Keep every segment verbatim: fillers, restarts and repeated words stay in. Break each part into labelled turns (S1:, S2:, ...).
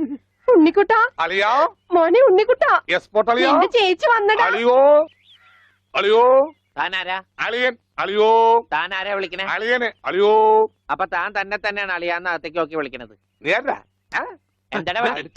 S1: ഉണ്ണിക്കുട്ടാ
S2: അളിയാ
S1: മോനെ ഉണ്ണിക്കുട്ടാ
S2: എസ്പോർട്ട് അളിയാ
S1: എന്റെ ചേച്ചി വന്നടാ.
S2: അളിയോ അളിയോ
S3: താനാരാ?
S2: അളിയൻ അളിയോ
S3: താനാരാ വിളിക്കണേ?
S2: അളിയനെ അളിയോ.
S3: അപ്പൊ താൻ തന്നെ തന്നെയാണ് അളിയാന്ന് അകത്തേക്ക് നോക്കി വിളിക്കണത്.
S2: നീ ആരാ?
S3: എന്താടാ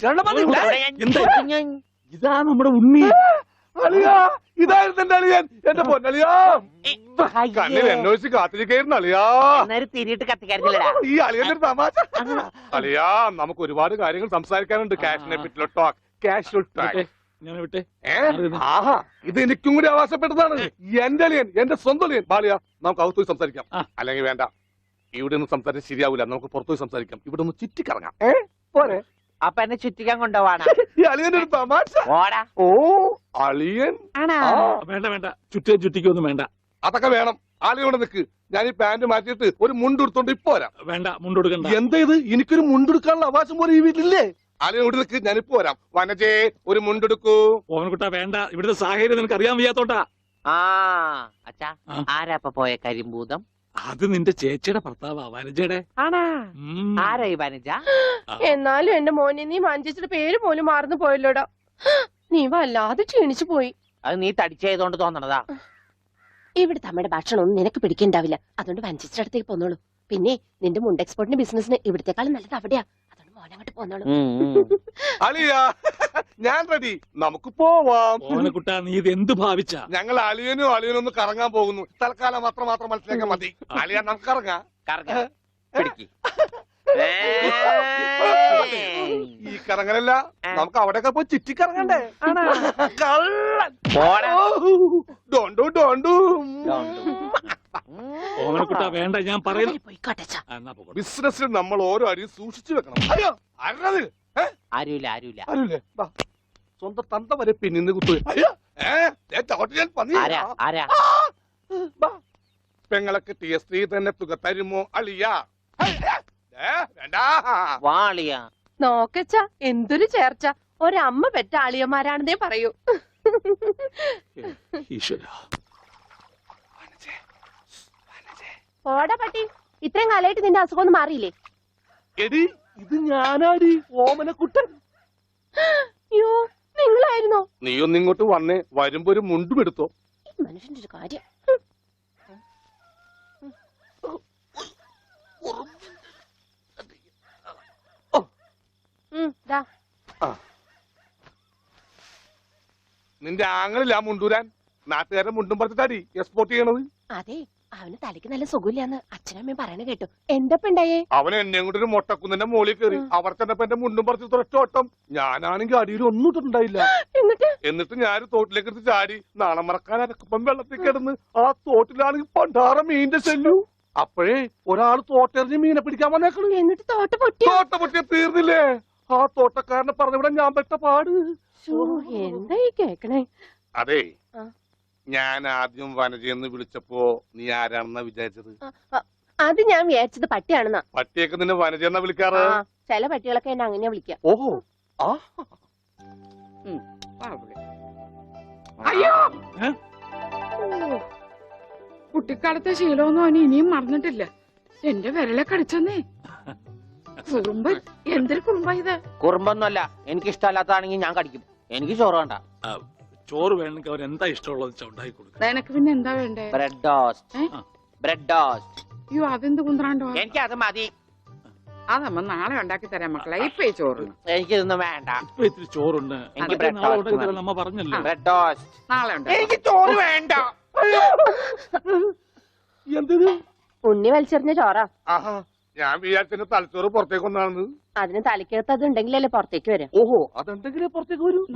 S4: ഇതാ നമ്മുടെ ഉണ്ണി.
S2: അളിയാ ഇതായിരുന്നു എന്റെ അളിയൻ, എന്റെ പൊന്നളിയാ. കണ്ണിൽ എന്നോച്ച് കാത്തിരിക്കായിരുന്നു അളിയാ.
S3: തിരിയിട്ട് കത്തിക്കാരില്ലടാ
S2: ഈ അളിയന്റെ ഒരു തമാശ. അളിയാ നമുക്ക് ഒരുപാട് കാര്യങ്ങൾ സംസാരിക്കാനുണ്ട്. കാഷിനെ പറ്റിയുള്ള ടോക്ക്, കാഷ്വൽ ടോക്ക്.
S4: ഞാൻ വിട്ടെ.
S2: ആഹാ ഇത് എനിക്കും കൂടി അവകാശപ്പെട്ടതാണ്. എന്റെ അളിയൻ, എന്റെ സ്വന്തം അളിയൻ. ബാലിയ നമുക്ക് അകത്ത് പോയി സംസാരിക്കാം. അല്ലെങ്കിൽ വേണ്ട, ഇവിടെ നിന്ന് സംസാരിച്ചാൽ ശരിയാവില്ല. നമുക്ക് പുറത്തുപോയി സംസാരിക്കാം. ഇവിടെ ഒന്ന് ചുറ്റിക്കറങ്ങാം. ഏ പോരെ?
S3: അപ്പൊ എന്നെ ചുറ്റിക്കാൻ കൊണ്ടുപോവാണ്.
S2: ഈ അളിയന്റെ ഒരു തമാശ. ഓ അളിയൻ.
S4: വേണ്ട വേണ്ട, ചുറ്റേ ചുറ്റിക്കൊന്നും വേണ്ട.
S2: അതൊക്കെ വേണം. ആളിയോടെ നിക്ക്. ഞാൻ ഈ പാന്റ് മാറ്റിയിട്ട് ഒരു മുണ്ടെടുത്തോണ്ട് ഇപ്പൊ വരാം.
S4: വേണ്ട, മുണ്ടെടുക്കണ്ട.
S2: എന്താ ഇത്? എനിക്കൊരു മുണ്ടെടുക്കാനുള്ള അവകാശം പോലെ ഈ വീട്ടിലില്ലേ? ആളിയോട് നിക്ക്, ഞാനിപ്പോ വരാം. വനജേ ഒരു മുണ്ടെടുക്കൂ.
S4: ഓവൻകുട്ടാ വേണ്ട, ഇവിടുത്തെ സാഹചര്യം നിനക്ക് അറിയാൻ വയ്യാത്തോട്ടാ.
S3: ആ അച്ഛാ, ആരാ ഇപ്പൊ പോയ കരിമ്പൂതം?
S4: അത് നിന്റെ ചേച്ചിയുടെ ഭർത്താവാ, വനജയുടെ.
S3: ആരാ ഈ വനജ?
S1: എന്നാലും എന്റെ മോനെ നീ മഞ്ചേച്ചിയുടെ പേര് പോലും മറന്നു പോയല്ലോടാ. നീ വല്ലാതെ ക്ഷീണിച്ചു പോയി.
S3: അത് നീ തടിച്ചതുകൊണ്ട് തോന്നണതാ.
S1: ഇവിടുത്തെ അമ്മയുടെ ഭക്ഷണം ഒന്നും നിനക്ക് പിടിക്കണ്ടാവില്ല. അതുകൊണ്ട് വഞ്ചിച്ചിന്റെ അടുത്തേക്ക് പോന്നോളൂ. പിന്നെ നിന്റെ മുണ്ട് എക്സ്പോർട്ടിന്റെ ബിസിനസിന് ഇവിടത്തെക്കാളും നല്ലത് അവിടെയാ. അതുകൊണ്ട് മോനങ്ങോട്ട് പോന്നോളൂ.
S2: അളിയാ ഞാൻ റെഡി, നമുക്ക് പോവാം.
S4: ഓവൻകുട്ടാ നീ ഇത് എന്ത് ഭാവിച്ച?
S2: ഞങ്ങൾ അളിയനും അളിയനും ഒന്ന് കറങ്ങാൻ പോകുന്നു. തൽക്കാലം മാത്രം മാത്രം മനസ്സിലാക്കാൻ മതി. അളിയാ നമുക്ക് ഇറങ്ങാം. ഈ കറങ്ങലല്ല, നമുക്ക് അവിടെയൊക്കെ പോയി ചുറ്റിക്കറങ്ങണ്ടേ? ഡോണ്ടു ഡോണ്ടു.
S4: ഓവൻകുട്ടാ വേണ്ട, ഞാൻ പറയുന്നു.
S2: ബിസിനസ്സിൽ നമ്മൾ ഓരോ അടിയും സൂക്ഷിച്ചു വെക്കണം. അയ്യോ അരണത്
S3: ആരുമില്ല ആരുമില്ല
S2: ആരുല്ലേ? സ്വന്തം തന്ത വരെ പിന്നിന്ന് കുത്തു. പെങ്ങളൊക്കെ ടി എസ് ത്രീ തന്നെ തുക തരുമോ അളിയാ?
S1: നോക്കച്ച എന്തൊരു ചേർച്ച. ഒരമ്മ പെറ്റ ആളിയന്മാരാണെന്നേ പറയൂ. ഓടാ പട്ടി, ഇത്രയും കാലമായിട്ട് നിന്റെ അസുഖം ഒന്നും മാറിയില്ലേ?
S2: എടി ഇത് ഞാനാടി, ഓമനക്കുട്ടൻ.
S1: അയ്യോ നിങ്ങളായിരുന്നോ?
S2: നീ ഒന്ന് ഇങ്ങോട്ട് വന്നേ, വരുമ്പോ ഒരു മുണ്ടും എടുത്തോ.
S1: മനുഷ്യന്റെ ഒരു കാര്യം.
S2: നിന്റെ ആങ്ങളില്ല മുണ്ടൂരാൻ. നാട്ടുകാരെ മുണ്ടും പറഞ്ഞിട്ടാടി എക്സ്പോർട്ട് ചെയ്യണത്.
S1: അതെ, അവന് തലയ്ക്ക് നല്ല സുഖമില്ലാന്ന് അച്ഛനമ്മയും പറയണ കേട്ടു. എന്തപ്പ ഉണ്ടായേ?
S2: അവൻ എന്നെ കൊണ്ട് ഒരു മൊട്ടക്കുന്നിന്റെ മോളിൽ കയറി. അവർ ചെന്നപ്പോ എന്റെ മുണ്ടും പറിച്ച് ഒറ്റ ഓട്ടം. ഞാനാണെങ്കിൽ അടിയിൽ ഒന്നും ഇട്ടിട്ടുണ്ടായില്ല.
S1: എന്നിട്ട്
S2: എന്നിട്ട് ഞാൻ തോട്ടിലേക്ക് എടുത്ത് ചാടി. നാണം മറക്കാൻ അരക്കപ്പം വെള്ളത്തിൽ കിടന്ന് ആ തോട്ടിലാണെങ്കിൽ പണ്ടാറ മീനിന്റെ ചെല്ലു. അപ്പോഴേ ഒരാൾ തോട്ടെറിഞ്ഞ് മീനെ പിടിക്കാൻ വന്നേക്കണു.
S1: എന്നിട്ട് തോട്ട പൊട്ടി.
S2: തോട്ട പൊട്ടിയ തീർന്നില്ലേ? ആ തോട്ടക്കാരനെ പറഞ്ഞവിടെ ഞാൻ പെട്ട പാട്.
S1: എന്താ ഈ കേക്കണേ?
S2: അതെ, ഞാൻ ആദ്യം വനജയെന്ന് വിളിച്ചപ്പോ നീ ആരാണെന്നാ വിചാരിച്ചത്?
S1: അത് ഞാൻ വിചാരിച്ചത് പട്ടിയാണെന്നാ.
S2: പട്ടിയൊക്കെ നിന്നെ വനജയെന്നാ വിളിക്കാറ്.
S1: ചില പട്ടികളൊക്കെ എന്നെ അങ്ങനെയാ വിളിക്കാം.
S2: ഓഹോ. ആ
S5: അയ്യോ, കുട്ടിക്കാലത്തെ ശീലമൊന്നും അവന് ഇനിയും മറന്നിട്ടില്ല. എന്റെ വിരലെ കടിച്ചെന്നേ. കുറുമ്പ്, എന്തൊരു കുറുമ്പ ഇത്?
S3: കുറുമ്പൊന്നുമല്ല, എനിക്ക് ഇഷ്ടമല്ലാത്തതാണെങ്കിൽ ഞാൻ കടിക്കും. എനിക്ക് ചോറ് വേണ്ട.
S4: ചോറ് വേണമെങ്കിൽ അവർ എന്താ ഇഷ്ടമുള്ളത് ഉണ്ടാക്കി കൊടുക്കും.
S5: നിനക്ക് പിന്നെ എന്താ വേണ്ടേ?
S3: Bread toast. Bread toast.
S5: അയ്യോ അതെന്ത് കുന്ത്രാണ്ടോ?
S3: എനിക്ക് അത് മതി.
S5: അതമ്മ നാളെ ഉണ്ടാക്കി തരാം മക്കളെ. ഇപ്പൊ ഈ ചോറ്
S3: എനിക്കിതൊന്നും വേണ്ട.
S4: ഇപ്പൊ ഇത്തിരി ചോറുണ്ട്.
S3: എനിക്ക് ബ്രെഡ് ടോസ്റ്റ്
S4: നമ്മ പറഞ്ഞല്ലോ.
S3: ബ്രെഡ് ടോസ്റ്റ്
S5: നാളെ ഉണ്ട്.
S3: എനിക്ക് ചോറ് വേണ്ട.
S2: എന്തിന്?
S1: ഉണ്ണി വലിച്ചെറിഞ്ഞ ചോറാ.
S2: ആഹാ, ഞാൻ വിചാരിച്ചെന്റെ തലച്ചോറ് പുറത്തേക്ക് ഒന്നാണെന്ന്.
S1: അതിന് തലക്കകത്ത് അത് ഉണ്ടെങ്കിലല്ലേ പുറത്തേക്ക് വരും.
S2: ഓഹോ, അതുണ്ടെങ്കിലേ പുറത്തേക്ക് വരൂ.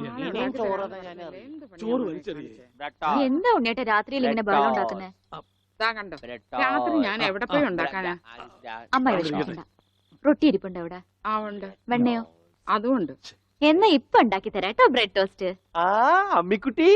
S4: ചോറ് വലിച്ചെറിയേ.
S6: എന്താ ഉണ്ണിയേട്ടാ രാത്രിയിൽ ഇങ്ങനെ ബഹളം ഉണ്ടാക്കുന്നേ?
S5: കണ്ടോ, രാത്രി ഞാൻ എവിടെ പോയി ഉണ്ടാക്കാനാ?
S6: അമ്മ വിഷമിക്കണ്ട, റൊട്ടി ഇരിപ്പുണ്ട് അവിടെ.
S5: ആ ഉണ്ട്.
S6: വെണ്ണയോ?
S5: അതും ഉണ്ട്.
S6: എന്നാ ഇപ്പൊ ഉണ്ടാക്കി തരാം കേട്ടോ ബ്രെഡ് ടോസ്റ്റ്.
S3: ആ അമ്മിക്കുട്ടി,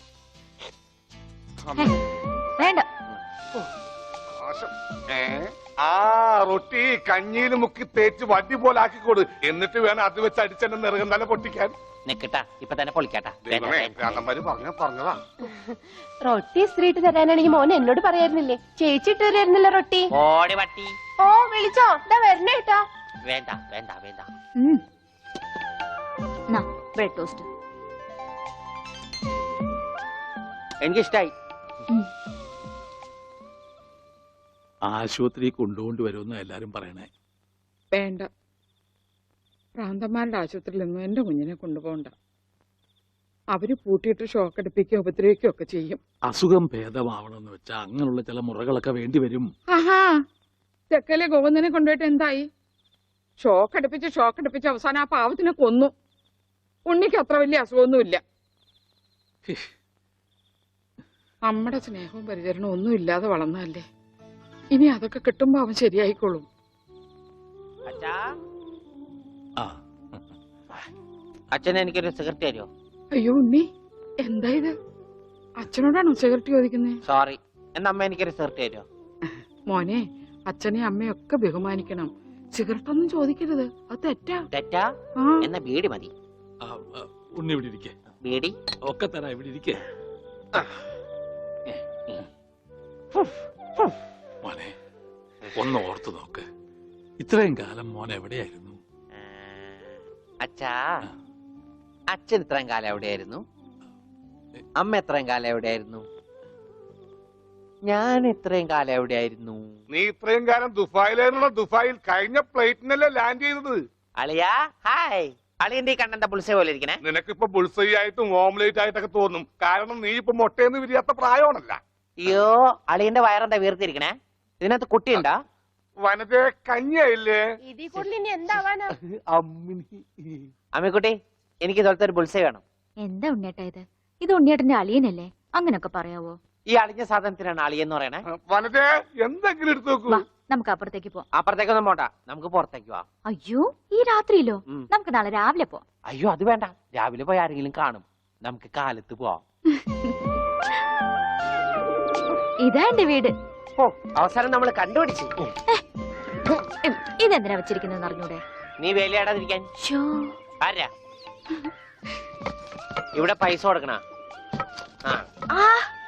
S6: വേണ്ട.
S2: ഏ ആ റൊട്ടി കഞ്ഞിയിൽ മുക്കി തേച്ച് വടി പോലെ ആക്കിക്കൊടു. എന്നിട്ട് വേണം അത് വെച്ച് അടിച്ചെന്നെ നിറകം തന്നെ പൊട്ടിക്കാൻ.
S3: നിക്കട്ടാ ഇപ്പൊ തന്നെ പൊളിക്കാട്ടാ.
S2: ദൈവമേ, ഭ്രാന്തന്മാര് പറഞ്ഞ പറഞ്ഞതാ.
S1: റൊട്ടി സ്ത്രീട്ട് തരാനാണെങ്കിൽ മോൻ എന്നോട് പറയായിരുന്നില്ലേ? ചേച്ചി ഇട്ട് തരായിരുന്നില്ല റൊട്ടി.
S3: ഓടി പട്ടി.
S1: ഓ വിളിച്ചോ, ഇതാ വരണേട്ടാ.
S3: വേണ്ട വേണ്ട വേണ്ട.
S6: Bread toast.
S3: എനിക്കിഷ്ടായി.
S4: ആശുപത്രി കൊണ്ടുകൊണ്ട് വരുമെന്ന് എല്ലാരും പറയണേ.
S5: വേണ്ട, ഭ്രാന്തന്മാരുടെ ആശുപത്രിയിലൊന്നും എന്റെ കുഞ്ഞിനെ കൊണ്ടുപോകണ്ട. അവര് പൂട്ടിയിട്ട് ഷോക്ക് അടിപ്പിക്കുകയോ ഉപദ്രവിക്കുകയോ ഒക്കെ ചെയ്യും.
S4: അസുഖം ഭേദമാവണമെന്ന് വെച്ചാൽ അങ്ങനെയുള്ള ചില മുറകളൊക്കെ വേണ്ടി വരും.
S5: ആഹാ, തെക്കലെ ഗോവിന്ദനെ കൊണ്ടുപോയിട്ട് എന്തായി? ഷോക്ക് അടുപ്പിച്ച് ഷോക്ക് അടുപ്പിച്ച് അവസാനം ആ പാവത്തിനെ കൊന്നു. ഉണ്ണിക്ക് അത്ര വലിയ അസുഖമൊന്നുമില്ല. നമ്മുടെ സ്നേഹവും പരിചരണവും ഒന്നും ഇല്ലാതെ വളർന്നതല്ലേ. ഇനി അതൊക്കെ കിട്ടുമ്പോ അവൻ ശരിയായിക്കോളും.
S3: അച്ഛാ,
S4: ആ
S3: അച്ഛൻ എനിക്കൊരു സിഗരറ്റ് തരുമോ?
S5: അയ്യോ ഉണ്ണി, എന്താ ഇത്? അച്ഛനോടാണോ സിഗരറ്റ് ചോദിക്കുന്നേ?
S3: സോറി. എന്നാ അമ്മ എനിക്കൊരു സിഗരറ്റ് തരുമോ?
S5: മോനെ, അച്ഛനെ അമ്മയൊക്കെ ബഹുമാനിക്കണം. സിഗരറ്റ് ഒന്നും ചോദിക്കരുത്, അത് തെറ്റാ.
S3: തെറ്റാ?
S5: ആ,
S3: എന്നാ ബീഡി മതി.
S4: ആ, ആ, ഉണ്ണി ഇവിടെ ഇരിക്കേ.
S3: ബീഡി
S4: ഒക്കെ തരാ, ഇവിടെ ഇരിക്കേ. മോനെ ഒന്ന് ഓർത്തു നോക്ക്, ഇത്രയും കാലം മോൻ എവിടെയായിരുന്നു?
S3: അച്ഛാ, അച്ഛൻ ഇത്രയും കാലം എവിടെയായിരുന്നു? അമ്മ എത്രയും കാലം എവിടെയായിരുന്നു? ഞാൻ ഇത്രയും കാലം എവിടെയായിരുന്നു?
S2: നീ ഇത്രയും കാലം ദുബായിലായിരുന്നുള്ള ദുബായിൽ കഴിഞ്ഞ പ്ലേറ്റിനല്ലേ ലാൻഡ് ചെയ്തത്.
S3: അളിയാ ഹായ്. അളിയന്റെ ഈ കണ്ണന്റെ പുളിസ പോലെ ഇരിക്കണേ.
S2: നിനക്കിപ്പോ ബുൾസൈ ആയിട്ടും ഓംലേറ്റ് ആയിട്ടൊക്കെ തോന്നും. കാരണം നീ ഇപ്പൊ മുട്ടയെന്ന് വിരിയാത്ത പ്രായമാണല്ല.
S3: അയ്യോ, അളിയന്റെ വയറെന്താ വീർത്തിരിക്കണേ? ഇതിനകത്ത് കുട്ടിയുണ്ടാ?
S2: വനത്തെ കഞ്ഞിയായില്ലേ?
S1: ഇതിൽ കൂടുതൽ ഇനി എന്താവാനാ?
S3: അമ്മിക്കുട്ടി, എനിക്ക് ഇതുപോലത്തെ ഒരു ബുൾസൈ വേണം.
S6: എന്താ ഉണ്ണിയേട്ടാ ഇത്? ഇത് ഉണ്ണിയേട്ടന്റെ അളിയനല്ലേ? അങ്ങനൊക്കെ പറയാവോ?
S3: ഈ അളിഞ്ഞ സാധനത്തിനാണ് അളിയെന്ന് പറയണേ.
S2: വനത്തെ എന്തെങ്കിലും എടുത്തു നോക്കൂ.
S6: വാ, നമുക്ക് അപ്പുറത്തേക്ക് പോവാം.
S3: അപ്പുറത്തേക്കൊന്നും പോണ്ട, നമുക്ക് പുറത്തേക്ക് പോവാം.
S6: അയ്യോ, ഈ രാത്രിയിലോ?
S3: ഉം.
S6: നമുക്ക് നാളെ രാവിലെ പോവാം.
S3: അയ്യോ, അത് വേണ്ട. രാവിലെ പോയി ആരെങ്കിലും കാണും. നമുക്ക് കാലത്ത് പോവാം.
S6: ഇതാ എന്റെ വീട്.
S3: ഓ, അവസാനം നമ്മൾ കണ്ടുപിടിച്ചു.
S6: ഉം, ഇതെന്തിനാ വെച്ചിരിക്കുന്നത് അറിഞ്ഞൂടെ?
S3: നീ വേലയാടാതിരിക്കാൻ.
S6: ശ്ശോ.
S3: ആരാ ഇവിടെ പൈസ കൊടുക്കണ? ആ,
S6: ആ,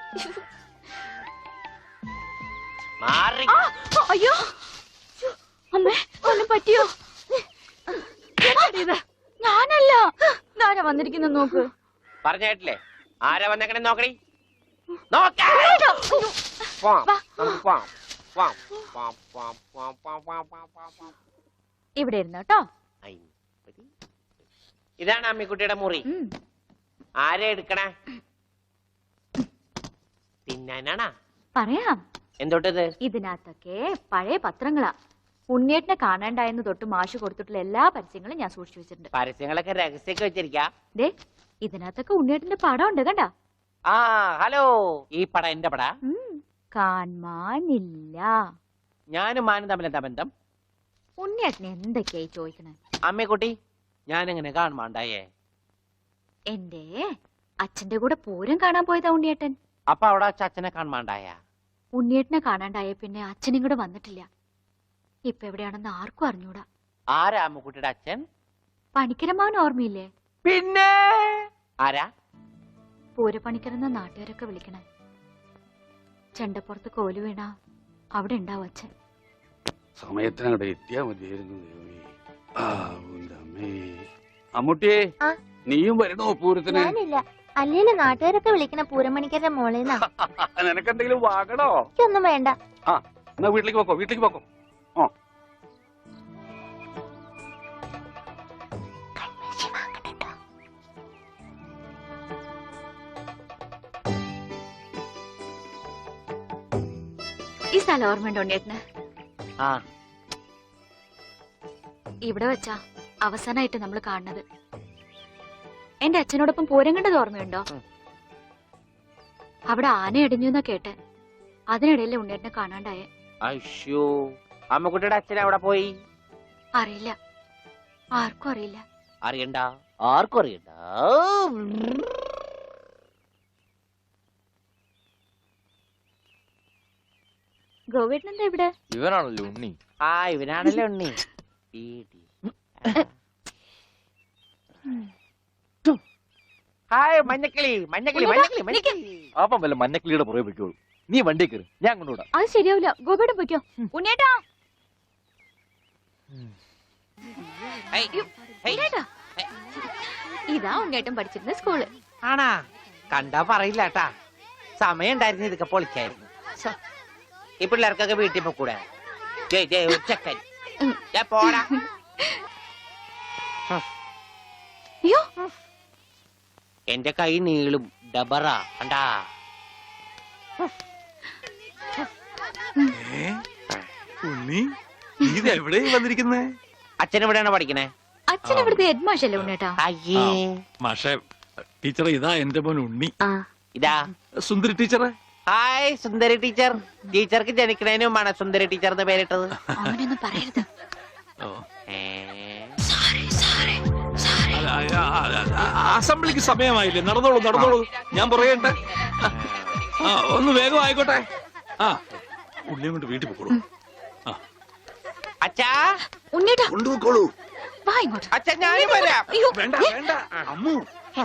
S3: മാറി.
S6: ആ, അയ്യോ, അമ്മേ, ഒന്നും പറ്റിയോ? എന്താടി ഇത്? ഞാനല്ല. ആരാ വന്നിരിക്കുന്ന നോക്ക്.
S3: പറഞ്ഞേട്ടില്ലേ ആരാ വന്നേക്കണേ? നോക്കണി, നോക്ക.
S6: ഇവിടെ ഇരുന്നു കേട്ടോ.
S3: ഇതാണ് അമ്മിക്കുട്ടിയുടെ മുറി.
S6: ഉം.
S3: ആരെ എടുക്കണേ? തിന്നാനാണാ?
S6: പറയാം.
S3: എന്തോട്ടത്?
S6: ഇതിനകത്തൊക്കെ പഴയ പത്രങ്ങളാ. ഉണ്ണിയേട്ടനെ കാണാണ്ടായെന്ന് തൊട്ട് മാഷ് കൊടുത്തിട്ടുള്ള എല്ലാ പരസ്യങ്ങളും ഞാൻ സൂക്ഷിച്ചു വെച്ചിട്ടുണ്ട്.
S3: പരസ്യങ്ങളൊക്കെ രഹസ്യമൊക്കെ വെച്ചിരിക്കാ.
S6: ദേ, ഇതിനകത്തൊക്കെ ഉണ്ണിയേട്ടന്റെ പടം ഉണ്ട് കണ്ടാ.
S3: ആ ഹലോ, ഈ പടം എന്റെ പടാ.
S6: ഉം, കാണാനില്ല.
S3: ഞാനും മാനും തമ്മിൽ എന്താ ബന്ധം?
S6: ഉണ്ണിയേട്ടനെ എന്തൊക്കെയായി ചോദിക്കണേ?
S3: അമ്മക്കുട്ടി, ഞാനെങ്ങനെ കാണുമാണ്ടായേ?
S6: എന്റെ അച്ഛന്റെ കൂടെ പൂരം കാണാൻ പോയതാ ഉണ്ണിയേട്ടൻ.
S3: അപ്പൊ അവിടെ വെച്ച് അച്ഛനെ കാണുമാണ്ടായ?
S6: ഉണ്ണിയേട്ടനെ കാണാണ്ടായ പിന്നെ അച്ഛനും കൂടെ വന്നിട്ടില്ല. ഇപ്പൊ എവിടെയാണെന്ന് ആർക്കും അറിഞ്ഞൂടാ.
S3: ആരാ അമ്മക്കുട്ടിയുടെ അച്ഛൻ?
S6: പണിക്കരമാവൻ ഓർമ്മയില്ലേ?
S3: പിന്നെ ആരാ?
S6: പൂരപ്പണിക്കരെന്ന നാട്ടുകാരൊക്കെ വിളിക്കണേ. ചെണ്ടപ്പുറത്ത് കോലു വീണ അവിടെ ഉണ്ടാവും അച്ഛൻ.
S7: സമയത്തിനവിടെ എത്തിയാ മതിയായിരുന്നു. അമ്മൂട്ടിയെ,
S8: ആ?
S7: നീയും വരണോ പൂരത്തിന്?
S8: ഞാനില്ല. അല്ലേല് നാട്ടുകാരൊക്കെ വിളിക്കണ പൂരമണിക്കരുടെ മോളേന്നാ.
S7: നിനക്കെന്തെങ്കിലും വാങ്ങണോ?
S8: എനിക്കൊന്നും വേണ്ട.
S7: ആ, എന്നാ വീട്ടിലേക്ക് പോക്കോ, വീട്ടിലേക്ക് പോക്കോ. ഓ,
S6: ഈ സ്ഥലം ഓർമ്മയുണ്ടോ ഉണ്ണിയേട്ടന്?
S3: ആ,
S6: ഇവിടെ വെച്ചാ അവസാനമായിട്ട് നമ്മൾ കാണുന്നത്. എന്റെ അച്ഛനോടൊപ്പം പൂരം കണ്ടത് ഓർമ്മയുണ്ടോ?
S3: ഉം.
S6: അവിടെ ആന ഇടിഞ്ഞു എന്നാ കേട്ടെ. അതിനിടയിലെ ഉണ്ണിയേട്ടനെ കാണാണ്ടായേ.
S3: അയ്യോ, അമ്മക്കുട്ടിയുടെ അച്ഛൻ എവിടെ പോയി?
S6: അറിയില്ല, ആർക്കും അറിയില്ല.
S3: അറിയണ്ട, ആർക്കും അറിയണ്ട.
S6: ഗോവേട്ടൻ എന്താ ഇവിടെ?
S3: ഇവനാണല്ലോ ഉണ്ണി. ആ ഇവനാണല്ലോ ഉണ്ണി. ഈടി. ഹായ് മഞ്ഞക്കിളി മഞ്ഞക്കിളി മഞ്ഞക്കിളി മഞ്ഞക്കിളി.
S9: അപ്പം വല്ല മഞ്ഞക്കിളിയുടെ പുറകെ വെക്കോളൂ. നീ വണ്ടി കയറി, ഞാൻ കൊണ്ടുവിടാം.
S6: അത് ശരിയാവില്ല. ഗോപേട്ടൻ പൊയ്ക്കോ. ഉണ്ണേട്ടാ
S3: ഹേയ്, ഹേയ്.
S6: ഉണ്ണേട്ടാ. ഇതാ ഉണ്ണേട്ടൻ പഠിച്ചിരുന്ന സ്കൂള്.
S3: ആണാ? കണ്ടാ പറയില്ല കേട്ടാ. സമയം ഉണ്ടായിരുന്നു ഇതൊക്കെ പൊളിക്കായിരുന്നു. ഈ പിള്ളേർക്കൊക്കെ വീട്ടിൽ പോക്കൂടെ? ജയ് ജയ് ഒരു ചെക്കൻ. ദേ പോടാ.
S6: അയ്യോ
S3: എന്റെ കൈ നീളും ഡബറ കണ്ടാ.
S4: ഏ? ഉണ്ണി നീ ഇത് എവിടെയും വന്നിരിക്കുന്നേ?
S3: അച്ഛൻ എവിടെയാണ് പഠിക്കണേ?
S6: അച്ഛൻ ഇവിടുത്തെ ഹെഡ് മാഷല്ലേ ഉണ്ണേട്ടാ?
S3: അയ്യേ.
S4: മാഷെ ടീച്ചറെ, ഇതാ എന്റെ മോൻ ഉണ്ണി.
S3: ഇതാ
S4: സുന്ദരി ടീച്ചറെ.
S3: Hi Sundari teacher. ടീച്ചർക്ക് ജനിക്കണേന് മുമ്പാണ് സുന്ദരി ടീച്ചർ എന്ന് പേരിട്ടത്.
S6: അവനൊന്നും പറയരുത്.
S4: ഓ.
S3: ഏ?
S4: അല്ല, ആ, ആ, ആ, അസംബ്ലിക്ക് സമയമായില്ലേ? നടന്നോളൂ നടന്നോളൂ, ഞാൻ പറയട്ടെ. ആ ഒന്ന് വേഗം ആയിക്കോട്ടെ. ആ ഉള്ളിയും കൊണ്ട് വീട്ടിൽ പോക്കോളൂ.
S3: അച്ഛാ
S6: ഉണ്ണേട്ടാ
S4: കൊണ്ടുപോക്കോളൂ.
S6: വാ ഇങ്ങോട്ട്.
S3: അച്ഛൻ ഞാനും വരാം.
S6: അയ്യോ
S4: വേണ്ട വേണ്ട അമ്മു